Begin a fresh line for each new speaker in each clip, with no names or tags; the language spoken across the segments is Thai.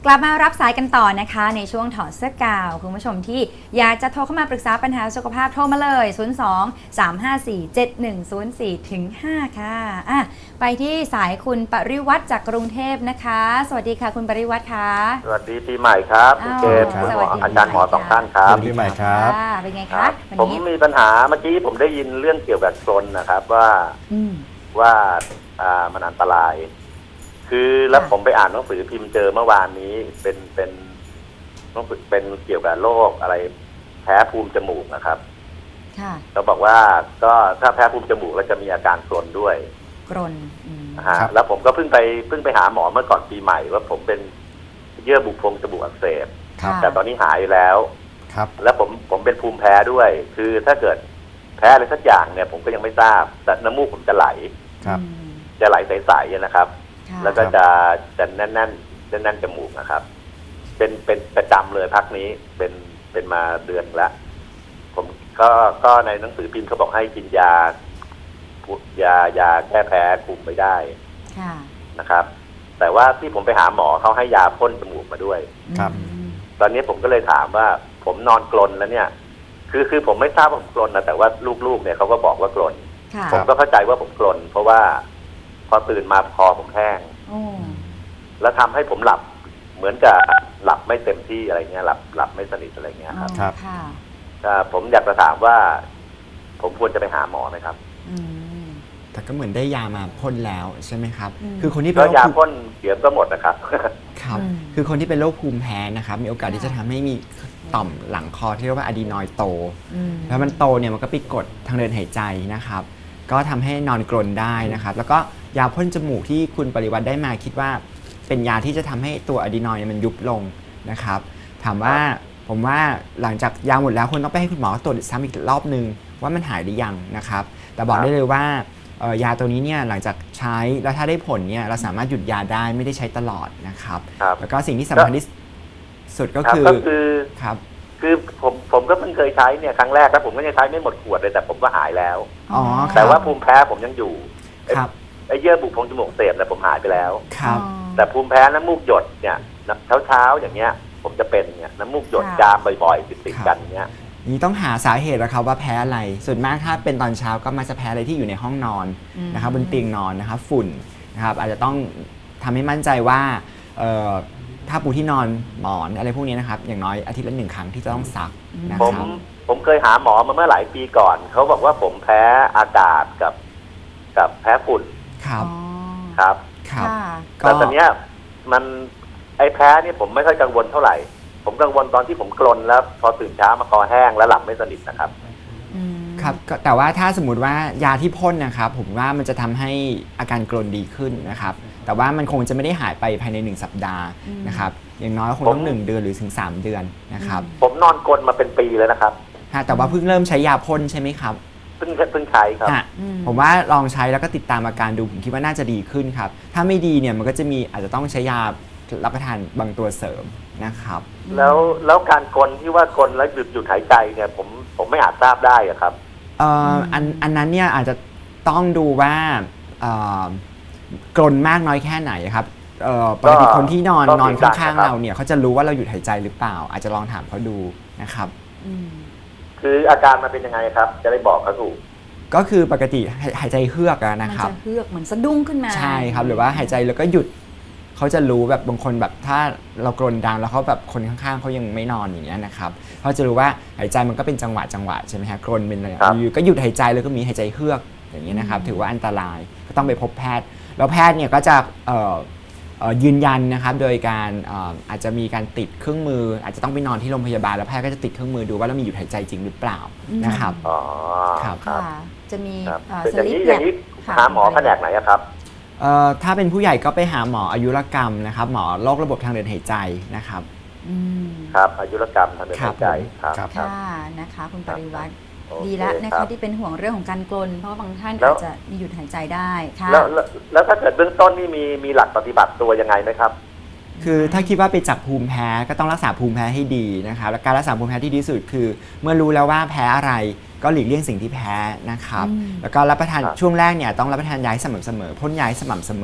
กลับมารับสายกันต่อนะคะในช่วงถอดเสื้อกาวคุณผู้ชมที่อยากจะโทรเข้ามาปรึกษาปัญหาสุขภาพโทรมาเลย 02-354-7104 ถึง 5 ค่ะไปที่สายคุณปริวัติจากกรุงเทพนะคะสวัสดีค่ะคุณปริวัติค่ะ
สวัสดีปีใหม่ครับคุณเกศคุณหมออาจารย์หมอสองท่านครับ
ปีใหม่ครับ
เป็นไงครับ
ผมมีปัญหาเมื่อกี้ผมได้ยินเรื่องเกี่ยวกับกรนนะครับว่ามันอันตรายคือแล้วผมไปอ่านหนังสือพิมพ์เจอเมื่อวานนี้เป็นเกี่ยวกับโรคอะไรแพ้ภูมิจมูกนะครับเขาบอกว่าก็ถ้าแพ้ภูมิจมูกแล้วจะมีอาการกรนด้วย
กรน
แล้วผมก็เพิ่งไปหาหมอเมื่อก่อนปีใหม่ว่าผมเป็นเยื่อบุโพรงจมูกอักเสบแต่ตอนนี้หายแล้วแล้วผมเป็นภูมิแพ้ด้วยคือถ้าเกิดแพ้อะไรสักอย่างเนี่ยผมก็ยังไม่ทราบแต่น้ำมูกผมจะไหลจะไหลใสๆนะครับแล้วก็จะแน่นจมูกนะครับเป็นประจำเลยพักนี้เป็นมาเดือนละผมก็ในหนังสือพิมพ์เขาบอกให้กินยาแก้แพ้คุมไม่ได้นะครับ แต่ว่าที่ผมไปหาหมอเขาให้ยาพ่นจมูกมาด้วย
ครับ
ตอนนี้ผมก็เลยถามว่าผมนอนกรนแล้วเนี่ยคือผมไม่ทราบว่าผมกรนนะแต่ว่าลูกๆเนี่ยเขาก็บอกว่ากรนผมก็เข้าใจว่าผมกรนเพราะว่าพอตื่นมาคอผมแห้งแล้วทำให้ผมหลับเหมือนกับหลับไม่เต็มที่อะไรเงี้ยหลับไม่สนิทอะไรเงี้ย
ครับ
ผมอยากจะถามว่าผมควรจะไปหาหมอไหมครับ
แต่ก็เหมือนได้ยามาพ่นแล้วใช่ไหมครับคือคนที่เป็
นโรคยาพ่นเดี๋ยวก็หมดนะครับ
ครับคือคนที่เป็นโรคภูมิแพ้นะครับมีโอกาสที่จะทำให้มีต่อมหลังคอที่เรียกว่าอะดีนอยด์โตแล้วมันโตเนี่ยมันก็ไปกดทางเดินหายใจนะครับก็ทำให้นอนกรนได้นะครับแล้วก็ยาพ่นจมูกที่คุณปริวัติได้มาคิดว่าเป็นยาที่จะทำให้ตัวอะดีนอยด์มันยุบลงนะครับถามว่าผมว่าหลังจากยาหมดแล้วคุณต้องไปให้คุณหมอตรวจซ้ำอีกรอบนึงว่ามันหายหรือยังนะครับแต่บอกได้เลยว่ายาตัวนี้เนี่ยหลังจากใช้แล้วถ้าได้ผลเนี่ยเราสามารถหยุดยาได้ไม่ได้ใช้ตลอดนะครับแล้วก็สิ่งที่สำคัญที่สุดก็คือ
ครับคือผมก็เพิ่งเคยใช้เนี่ยครั้งแรกแล้วผมก็ยังใช้ไม่หมดขวดเลยแต่ผมก็หายแล้วแต่ว่าภูมิแพ้ผมยังอยู่ไอ้เยื่อบุโพรงจมูกเสพเนี่ยผมหายไปแล้วแต่ภูมิแพ้น้ำมูกหยดเนี่ยเช้าอย่างเงี้ยผมจะเป็นเนี่ยน้ำมูกหยดจามบ่อยๆติดกันเงี้ย
นี่ต้องหาสาเหตุแล้วครับว่าแพ้อะไรส่วนมากถ้าเป็นตอนเช้าก็มักจะแพ้อะไรที่อยู่ในห้องนอนนะครับบนเตียงนอนนะครับฝุ่นนะครับอาจจะต้องทำให้มั่นใจว่าถ้าปูที่นอนหมอนอะไรพวกนี้นะครับอย่างน้อยอาทิตย์ละ1 ครั้งที่จะต้องซักนะครับ
ผมเคยหาหมอมาเมื่อหลายปีก่อนเขาบอกว่าผมแพ้อากาศกับแพ้ฝุ่น
ครับ
แล้วตอนนี้มันไอ้แพ้นี่ผมไม่ค่อยกังวลเท่าไหร่ผมกังวลตอนที่ผมกรนแล้วพอตื่นเช้ามาคอแห้งแล้วหลับไม่สนิทนะครับ
ครับแต่ว่าถ้าสมมติว่ายาที่พ่นนะครับผมว่ามันจะทำให้อาการกรนดีขึ้นนะครับแต่ว่ามันคงจะไม่ได้หายไปภายใน1 สัปดาห์นะครับอย่างน้อยคงต้อง1 เดือนหรือถึง3 เดือนนะครับ
ผมนอนกรนมาเป็นปีแล้วนะครับ
แต่ว่าเพิ่งเริ่มใช้ยาพ่นใช่ไหมครับ
เพิ่งใช้ครับ
ผมว่าลองใช้แล้วก็ติดตามอาการดูผมคิดว่าน่าจะดีขึ้นครับถ้าไม่ดีเนี่ยมันก็จะมีอาจจะต้องใช้ยารับประทานบางตัวเสริมนะครับ
แล้วการกรนที่ว่ากรนแล้วหยุดหายใจเนี่ยผมไม่อาจทราบได้อะครับ
อันนั้นเนี่ยอาจจะต้องดูว่ากรนมากน้อยแค่ไหนครับปกติคนที่นอนข้างๆเราเนี่ยเขาจะรู้ว่าเราหยุดหายใจหรือเปล่าอาจจะลองถามเขาดูนะครับ
คืออาการมันเป็นยังไงครับจะได้บอกเขาถูก
ก็คือปกติหายใจเฮือกนะครับ
มันจะเฮือกเหมือนสะดุ้งขึ้นมา
ใช่ครับหรือว่าหายใจแล้วก็หยุดเขาจะรู้แบบบางคนแบบถ้าเรากรนดังแล้วเขาแบบคนข้างๆเขายังไม่นอนอย่างเงี้ยนะครับเขาจะรู้ว่าหายใจมันก็เป็นจังหวะใช่ไหมฮะกรนเป็นอะไรอยู่ก็หยุดหายใจแล้วก็มีหายใจเฮือกอย่างเงี้ยนะครับถือว่าอันตรายก็ต้องไปพบแพทย์แล้วแพทย์เนี่ยก็จะยืนยันนะครับโดยการอาจจะมีการติดเครื่องมืออาจจะต้องไปนอนที่โรงพยาบาลแล้วแพทย์ก็จะติดเครื่องมือดูว่าเรามีหยุดหายใจจริงหรือเปล่านะครับ
ครับ
จะมี
สลิปอย่างนี้หาหมอแผนกไหนครับ
ถ้าเป็นผู้ใหญ่ก็ไปหาหมออายุรกรรมนะครับหมอโรคระบบทางเดินหายใจนะครับ
ครับอายุรกรรมทางเดินหายใจ
ครับค่ะนะคะคุณปริวัติดีแล้วนะคะที่เป็นห่วงเรื่องของการกรนเพราะบางท่านอาจจะมีหยุดหายใจได้ค่ะ
แล้วถ้าเกิดเบื้องต้นนี่มีหลักปฏิบัติตัวยังไงไหมครับ
คือถ้าคิดว่าไปจับภูมิแพ้ก็ต้องรักษาภูมิแพ้ให้ดีนะครับและการรักษาภูมิแพ้ที่ดีที่สุดคือเมื่อรู้แล้วว่าแพ้อะไรก็หลีกเลี่ยงสิ่งที่แพ้นะครับแล้วก็รับประทานช่วงแรกเนี่ยต้องรับประทานยาสม่ำเสมอพ่นยาสม่ำเสมอ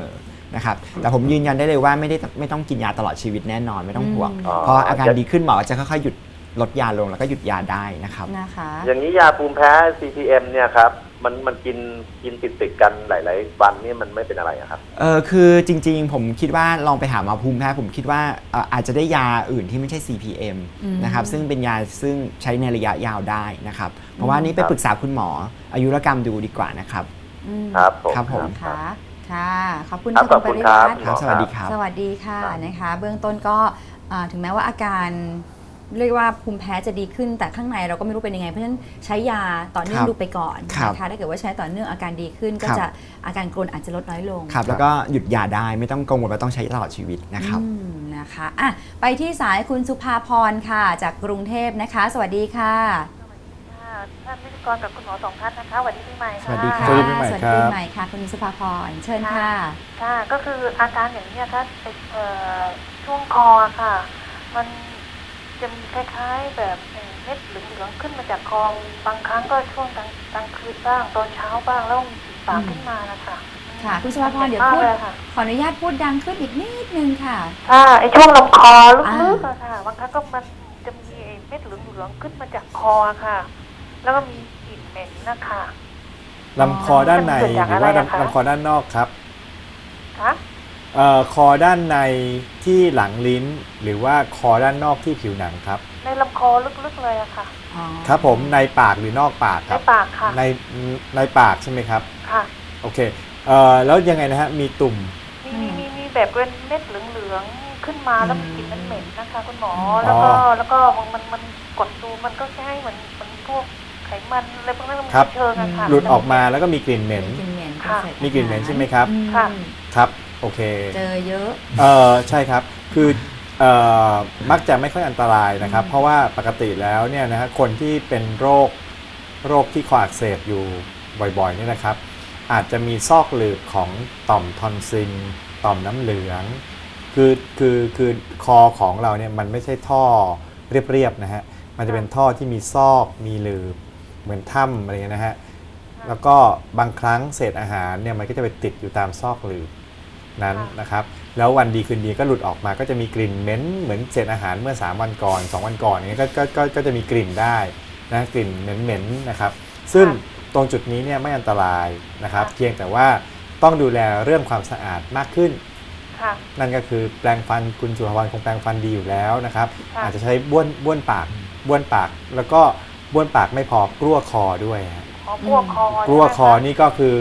นะครับแต่ผมยืนยันได้เลยว่าไม่ต้องกินยาตลอดชีวิตแน่นอนไม่ต้องห่วง
อ๋อ
เพราะอาการดีขึ้นหมอจะค่อยๆหยุดลดยาลงแล้วก็หยุดยาได้นะครับ
นะคะ
อย่างนี้ยาภูมิแพ้ CPM เนี่ยครับมันกินติดกันหลายๆวันนี่มันไม่เป็นอะไรอะครับ
คือจริงๆผมคิดว่าลองไปหาหมอภูมิแพ้ผมคิดว่าอาจจะได้ยาอื่นที่ไม่ใช่ CPM นะครับซึ่งเป็นยาซึ่งใช้ในระยะยาวได้นะครับเพราะว่านี้ไปปรึกษาคุณหมออายุรกรรมดูดีกว่านะครับ
ครับผม
ครับผม
ค่ะค่ะขอบคุณ
ครับ
ค่ะ
ข
คุ
อบ
ณป
คุณ
ริ
ครั
วั
บ
ติ
ครับสวัสดีครับ
สวัสดีค่ะ
ครับ
นะคะ เบื้องต้นก็ถึงแม้ว่าอาการเรียกว่าภูมิแพ้จะดีขึ้นแต่ข้างในเราก็ไม่รู้เป็นยังไงเพราะฉะนั้นใช้ยาต่อเนื่องดูไปก่อนนะคะถ้าเกิดว่าใช้ต่อเนื่องอาการดีขึ้นก็จะอาการกรนอาจจะลดน้อยลง
ครับแล้วก็หยุดยาได้ไม่ต้องกังวลว่าต้องใช้ตลอดชีวิตนะครับ
นะคะอ่ะไปที่สายคุณสุภาพรค่ะจากกรุงเทพนะคะ สวัสดีค่ะ
ค่ะท่านพิธีกรกับคุณหมอสองท่านนะคะสวัสดีปีใหม่ค่ะ
สวัสดีครับ
ส
สวั
วัส
สดี
ดี
ปีใหม่
ปี
ครับ
ใหม่ค่ะคุณสุภาพรเชิญค่ะ
ค่ะก็คืออาการอย่างนี้ค่ะช่วงคอค่ะ มันจะมีคล้ายๆแบบเม็ดเหลืองๆขึ้นมาจากคอบางครั้งก็ช่วงกลางคืนบ้างตอนเช้าบ้างแล้วมีสีปากขึ้นมานะคะ
ค่ะคุณสุภาพรเดี๋ยวพูด
มากลค่ะ
ขออนุญาตพูดดังขึ้นอีกนิดนึงค่ะ
ค่ะไอช่วงลำคอลึกๆอะค่ะบางครั้งก็มันจะมีไอ้เม็ดเหลืองๆขึ้นมาจากคอค่ะ แล้วก็มีกลิ่นเหม็นนะคะ
ลำคอด้านใน
มันเกิดจาก
หรือว่า
อะไรอะคะ
ลำคอด้านนอกครับ
คะ
คอด้านในที่หลังลิ้น หรือว่าคอด้านนอกที่ผิวหนังครับ
ในลำคอลึกๆเลยอะค่ะ
อ๋อ
ครับผมในปากหรือนอกปากค
ใน
รับ
ปากค่ะ
ในปากใช่ไหมครับ
ค่ะ
โอเคแล้วยังไงนะฮะมีตุ่ม
มีแบบเป็นเม็ดเหลืองๆขึ้นมาแล้วมีกลิ่นเหม็นๆนะคะ คุณหมอ
อ๋อ
แล้วก็มันกดดูมันก็ใช่เหมือนพวกไขมันอะไรพวกนั้นมัน
ครับ
เชิงอะค่ะ
หลุดออกมาแล้วก็มีกลิ่นเหม็น
กลิ่นเหม็น
ค่ะ
มีกลิ่นเหม็นใช่ไหมครับ
ค่ะ
ครับโอเค
เจอเยอะ
ใช่ครับคือมักจะไม่ค่อยอันตรายนะครับ เพราะว่าปกติแล้วเนี่ยนะฮะคนที่เป็นโรคที่คออักเสบอยู่บ่อยๆเนี่ยนะครับ อาจจะมีซอกหลืบของต่อมทอนซิลต่อมน้ำเหลืองคือคอของเราเนี่ยมันไม่ใช่ท่อเรียบๆนะฮะมันจะเป็นท่อที่มีซอกมีหลืบเหมือนถ้ำอะไรเงี้ยนะฮะแล้วก็บางครั้งเศษอาหารเนี่ยมันก็จะไปติดอยู่ตามซอกหลืบนั้นนะครับแล้ววันดีคืนดีก็หลุดออกมาก็จะมีกลิ่นเหม็นเหมือนเศษอาหารเมื่อ3วันก่อน2วันก่อนอย่างเงี้ยก็จะมีกลิ่นได้นะกลิ่นเหม็นๆนะครับซึ่งตรงจุดนี้เนี่ยไม่อันตรายนะครับเพียงแต่ว่าต้องดูแลเรื่องความสะอาดมากขึ้น
ค่ะ
นั่นก็คือแปรงฟันคุณสุภวรรณคงแปรงฟันดีอยู่แล้วนะครับ
ค่ะ
อาจจะใช้บ้วนปากแล้วก็บ้วนปากไม่พอกลั้วคอด้วยฮะ
พวกคอก
ลั้วคอ
ใช่ไหมะ
นี่ก็คือ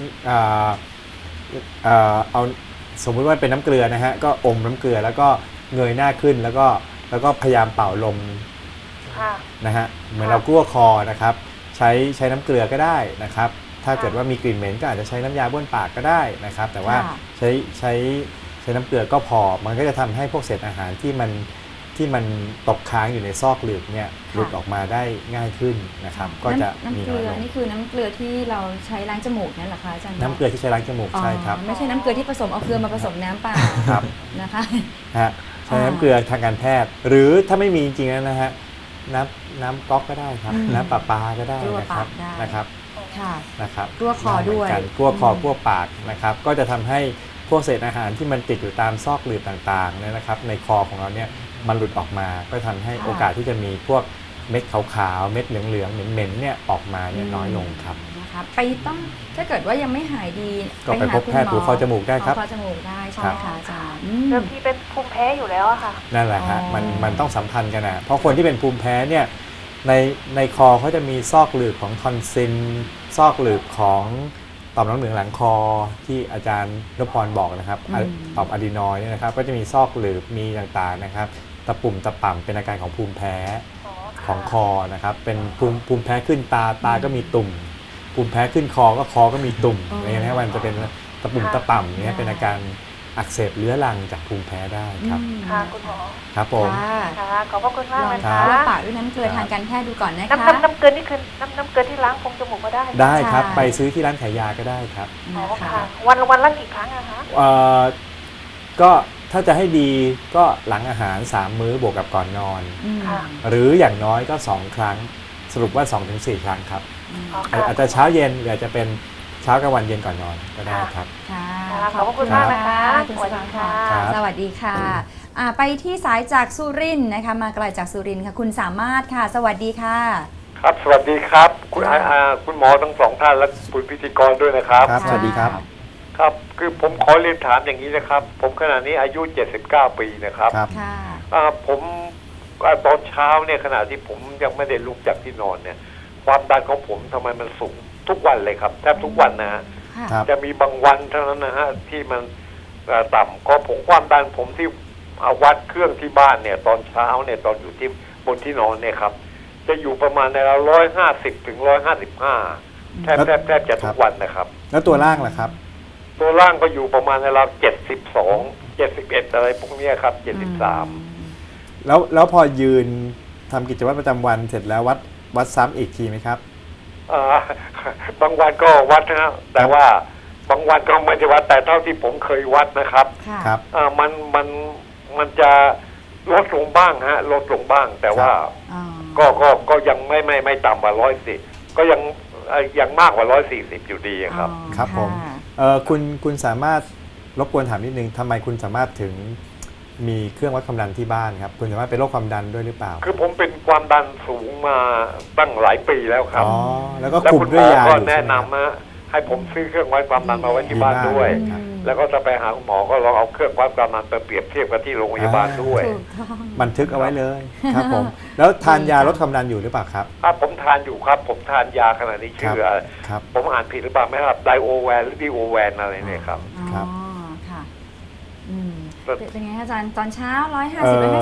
เอาสมมุติว่าเป็นน้ำเกลือนะฮะก็อมน้ำเกลือแล้วก็เงยหน้าขึ้นแล้วก็พยายามเป่าลม
ค่ะ
นะฮะเหมือน
ค่ะ
เรากลั้วคอนะครับใช้น้ำเกลือก็ได้นะครับถ้าเกิดว่ามีกลิ่นเหม็นก็อาจจะใช้น้ำยาบ้วนปากก็ได้นะครับแต่ว่า
ค่ะ
ใช้น้ำเกลือก็พอมันก็จะทำให้พวกเศษอาหารที่มันตกค้างอยู่ในซอกหลืบเนี่ยหลุดออกมาได้ง่ายขึ้นนะครับก็จะมี
น้ำเก
น้
ลื
อย
อ
ลง
นี่คือน้ำเกลือที่เราใช้ล้างจมูกนั่นเหรอคะอาจารย์
น้ำเกลือที่ใช้ล้างจมูกใช่ครับ
ไม่ใช่น้ำเกลือที่ผสมเอาเกลือมาผสมน้ำเปล่า
ครับ
นะคะ
ฮะใช้น้ำเกลือทางการแพทย์ หรือถ้าไม่มีจริงๆแล้วนะฮะน้ำก๊อกก็ได้ครับ
อืม
น้ำประปาก็ได้
กลัว
นะครับ
ปากได้
นะครับ
ค่ะ
นะครับ
กลัวคอด้วย
ได้เหมืนกันกลัวคอกลัวปากนะครับก็จะทำให้พวกเศษอาหารที่มันติดอยู่ตามซอกหลืบต่างๆเนี่ยนะครับในคอของเราเนี่ยมันหลุดออกมาก็ทำให้
ค่ะ
โอกาสที่จะมีพวกเม็ดขาวๆเม็ดเหลืองๆเหม็นๆเนี่ยออกมาเนี่ยน้อยลงครับ
นะคะไปต้องถ้าเกิดว่ายังไม่หายดี
ก็ไปพบแพทย์หูคอจมูกได้ครับ
หูคอจมูกได้ใช่ไหมคะอาจารย์
เดิมทีเป็นภูมิแพ้อยู่แล้วอะค่ะ
นั่นแหละฮะ
อ๋อ
มันต้องสัมพันธ์กันนะเพราะคนที่เป็นภูมิแพ้เนี่ยในคอเขาจะมีซอกหลืบของทอนซิลซอกหลืบของต่อมน้ำเหลืองหลังคอที่อาจารย์นพพรบอกนะครับต่อมอะดีนอยด์เนี่ยนะครับก็จะมีซอกหลืบมีต่างๆนะครับตะปุ่มตะป่ำเป็นอาการของภูมิแพ้ของคอนะครับเป็นภูมิแพ้ขึ้นตาก็มีตุ่มภูมิแพ้ขึ้นคอก็มีตุ่มอะไรเงี้ยนะมันจะเป็นตะปุ่มตะป่ำเนี่ยเป็นอาการอักเสบเรื้อรังจากภูมิแพ้ได้ครับ
ค่ะคุณหมอ
ครับผม
ค่ะ
ค่ะขอบพระคุณมาก
ลอง
นะ
ทา
คะ
นปากด้วยน้ำเกลือทางการแพทย์ดูก่อนนะคะ
น้ำเกลือนี่คือน้ำเกลือที่ล้างโพรงจมูกก็ได้
ได้ครับ
ใช่
ไปซื้อที่ร้านขายยาก็ได้ครับ
อ๋อ
นะคะ
ค่ะวันละกี่ครั้งอะคะ
ก็ถ้าจะให้ดีก็หลังอาหาร 3 มื้อบวกกับก่อนนอน
อืม
ค่ะ
หรืออย่างน้อยก็ 2 ครั้ง สรุปว่า 2-4 ครั้งครับ
อ๋อค่ะ
อาจจะเช้าเย็นหรืออาจจะเป็นเช้ากลางวันเย็นก่อนนอนก็ได้ครับ
ค่ะ
ขอบพระคุณมากนะคะ
คุณ
ส
ส
วัสดี
ภา
ค่ะ
ครับ
สวัสดีค่ะไปที่สายจากสุรินทร์นะคะมาไกลจากสุรินทร์ค่ะคุณสามารถค่ะ สวัสดีค่ะ
ครับสวัสดีครับคุณ
ค่ะ
คุณหมอทั้งสองท่านและคุณพิธีกรด้วยนะครับ
ครับสวัสดีครับ
ครับคือผมขอเรียนถามอย่างนี้นะครับ ผมขณะนี้อายุ79 ปีนะครับ
ครับ
ค่ะ
ผมตอนเช้าเนี่ยขณะที่ผมยังไม่ได้ลุกจากที่นอนเนี่ยความดันของผมทำไมมันสูงทุกวันเลยครับแทบทุกวันนะฮะ
ค่ะ
ครับ
จะมีบางวันเท่านั้นนะฮะที่มันต่ำก็ผมความดันผมที่วัดเครื่องที่บ้านเนี่ยตอนเช้าเนี่ยตอนอยู่ที่บนที่นอนเนี่ยครับจะอยู่ประมาณใน150 ถึง 155แทบจะทุกวันนะครับ
แล้วตัวล่างล่ะครับ
ตัวล่างก็อยู่ประมาณใน72 71อะไรพวกเนี้ยครับ73
แล้วพอยืนทำกิจวัตรประจำวันเสร็จแล้ววัดซ้ำอีกทีไหมครับ
บางวันก็วัดนะฮะแต่ว่าบางวันก็ไม่ได้วัดแต่เท่าที่ผมเคยวัดนะครับ
ค่ะ
ครับ
มันจะลดลงบ้างฮะลดลงบ้าง แต่ว่า
อ๋อ
ก็ยังไม่ต่ำกว่า110ก็ยังมากกว่า140อยู่ดีครับ
อ๋อ
ครับผม
ะ
คุณสามารถรบกวนถามนิดนึงทำไมคุณสามารถถึงมีเครื่องวัดความดันที่บ้านครับ คุณสามารถเป็นโรคความดันด้วยหรือเปล่า
คือผมเป็นความดันสูงมาตั้งหลายปีแล้วครับ
อ๋อแล้วก็
แล้ว
คุม
คุณห
ด้
ม
วย
อย
า
ก็
อยู่
แนะ
ใช่ไหมครับ
นำให้ผมซื้อเครื่องวัดความดันมาไว้ที่บ้าน
ดีมาก
ด้วย
ครับ
แล้วก็จะไปหาคุณหมอก็ลองเอาเครื่องวัดความดันไปเปรียบเทียบกับที่โรงพยาบาลด้วย
ถูกต้อง
บันทึกเอาไว้เลยครับผม แล้วทานยาลดความดันอยู่หรือเปล่าครับ
ผมทานอยู่ครับผมทานยาขณะนี้ชื่อ
ครับ
ผมอ่านผิดหรือเปล่าไม่ครับไดโอแวนหรือดีโอแวนอะไรเนี่ยครับ
ครับ
อ๋อค่ะ
ครับ
เป็นไงคะอาจารย์ตอนเช้า150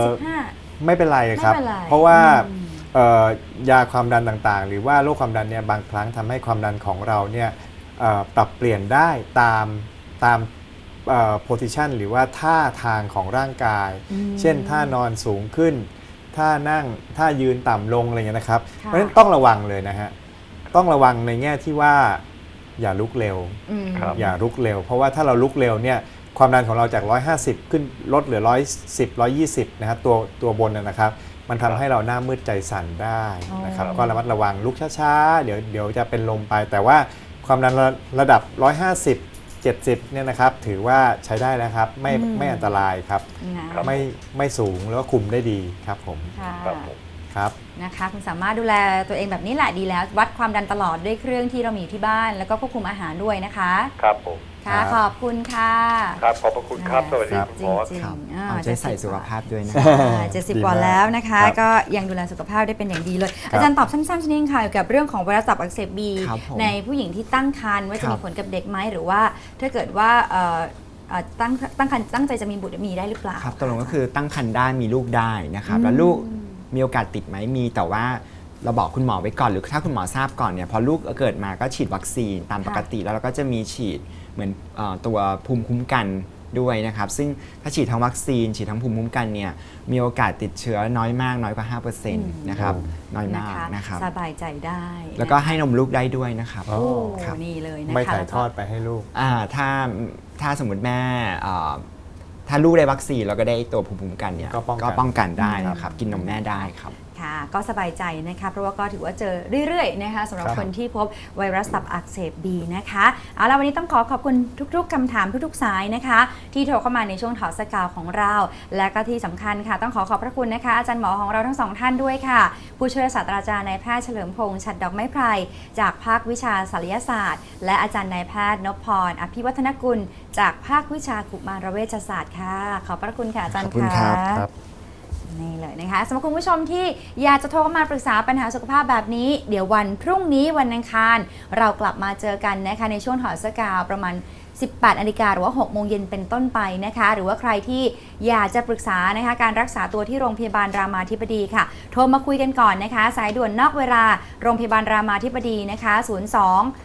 155
ไม่เป็นไรครับ
ไม่เป็นไร
เพราะว่า
อืม
ยาความดันต่างๆ หรือว่าโรคความดันเนี่ยบางครั้งทำให้ความดันของเราเนี่ยปรับเปลี่ยนได้ตามposition หรือว่าท่าทางของร่างกาย เช่นท่านอนสูงขึ้นท่านั่งท่ายืนต่ำลงอะไรเงี้ยนะครับ เพราะฉะนั้นต้องระวังเลยนะฮะต้องระวังในแง่ที่ว่าอย่าลุกเร็ว
ครับ
อย่าลุกเร็ว เพราะว่าถ้าเราลุกเร็วเนี่ยความดันของเราจาก150ขึ้นลดเหลือ110 120นะครับตัวบนนะครับ มันทำให้เราหน้ามืดใจสั่นได้นะครับ
อ๋อ
ก็ระมัดระวังลุกช้าๆเดี๋ยวจะเป็นลมไป แต่ว่าความดันระดับ150 70เนี่ยนะครับถือว่าใช้ได้แล้วครับไม่อันตรายครับ
นะ
ไม่สูงแล้วก็คุมได้ดีครับผม
ค่ะ
ครับผม
ครับ
นะคะคุณสามารถดูแลตัวเองแบบนี้แหละดีแล้ว วัดความดันตลอดด้วยเครื่องที่เรามีอยู่ที่บ้าน แล้วก็ควบคุมอาหารด้วยนะคะ
ครับผม
ค่ะ
ครับ
ขอบคุณค่ะ
ครับขอบพระคุณครับสวัสดีคุณหมอ
จริง
ครับ
ๆ
เอาใจใส่สุขภาพด้วยนะ
70 กว่าแล้วนะคะ
ครับ
ก็ยังดูแลสุขภาพได้เป็นอย่างดีเลย
ครับ
อาจารย์ตอบสั้นๆชนิดค่ะเกี่ยวกับเรื่องของไวรัสตับอักเสบบี
ครับผม
ในผู้หญิงที่ตั้งครรภ์ว่าจะ
ครับ
มีผลกับเด็กไหมหรือว่าถ้าเกิดว่าตั้งครรภ์ตั้งใจจะมีบุตรมีได้หรือเปล่า
ครับตกลงก็คือตั้งครรภ์ได้มีลูกได้นะครับแล้วลูกมีโอกาสติดไหมมีแต่ว่าเราบอกคุณหมอไว้ก่อนหรือถ้าคุณหมอทราบก่อนเนี่ยพอลูกเกิดมาก็ฉีดวัคซีนตามปกติแล้วเราก็จะมีฉีดเหมือนตัวภูมิคุ้มกันด้วยนะครับซึ่งถ้าฉีดทั้งวัคซีนฉีดทั้งภูมิคุ้มกันเนี่ยมีโอกาสติดเชื้อน้อยมากน้อยกว่า 5% นะครับน้อยมากนะครับ
สบายใจได้
แล้วก็ให้นมลูกได้ด้วยนะครับ
อ๋อ
โอ้
ครับ
นี่เลยนะคะ
ไม่ถ่ายทอดไปให้ลูก
ถ้าสมมติแม่ถ้าลูกได้วัคซีนแล้วก็ได้ตัวภูมิคุ้มกันเนี่ย
ก็ป้องกัน
ป้องกันได้นะครับกินนมแม่ได้ครับ
ค่ะก็สบายใจนะคะเพราะว่าก็ถือว่าเจอเรื่อยๆนะคะสำหรับ
ครับ
คนที่พบไวรัสตับอักเสบบีนะคะเอาล่ะวันนี้ต้องขอบคุณทุกๆคำถามทุกๆสายนะคะที่โทรเข้ามาในช่วงถอดสกาวของเรา และก็ที่สำคัญค่ะต้องขอบพระคุณนะคะอาจารย์หมอของเราทั้งสองท่านด้วยค่ะผู้ช่วยศาสตราจารย์นายแพทย์เฉลิมพงษ์ฉัตรดอกไม้ไพรจากภาควิชาศัลยศาสตร์ และอาจารย์นายแพทย์นพพรอภิวัฒนกุลจากภาควิชากุมารเวชศาสตร์ค่ะขอบพระคุณค่ะอาจารย์
ขอบคุณครับ
ะ นี่เลยนะคะสำหรับคุณผู้ชมที่อยากจะโทรเข้ามาปรึกษาปัญหาสุขภาพแบบนี้ เดี๋ยววันพรุ่งนี้วันอังคารเรากลับมาเจอกันนะคะในช่วงถอดเสื้อกาวประมาณ 18 นาฬิกาหรือว่า 6 โมงเย็นเป็นต้นไปนะคะ หรือว่าใครที่อยากจะปรึกษานะคะการรักษาตัวที่โรงพยาบาลรามาธิบดีค่ะ โทรมาคุยกันก่อนนะคะ สายด่วนนอกเวลาโรงพยาบาลรามาธิบดีนะคะ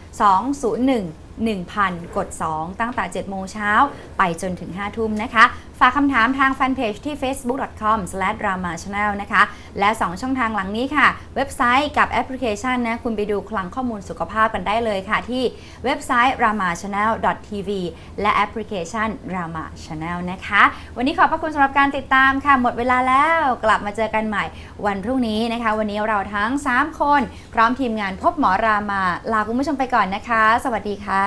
02 201 1000 กด 2 ตั้งแต่ 7 โมงเช้าไปจนถึง 5 ทุ่มนะคะฝากคำถามทางแฟนเพจที่ facebook.com/dramachannel นะคะและ2ช่องทางหลังนี้ค่ะเว็บไซต์กับแอปพลิเคชันนะคุณไปดูคลังข้อมูลสุขภาพกันได้เลยค่ะที่เว็บไซต์ ramachannel.tv และแอปพลิเคชัน Rama Channel นะคะวันนี้ขอบพระคุณสำหรับการติดตามค่ะหมดเวลาแล้วกลับมาเจอกันใหม่วันพรุ่งนี้นะคะวันนี้เราทั้ง3คนพร้อมทีมงานพบหมอรามาลาคุณผู้ชมไปก่อนนะคะสวัสดีค่ะ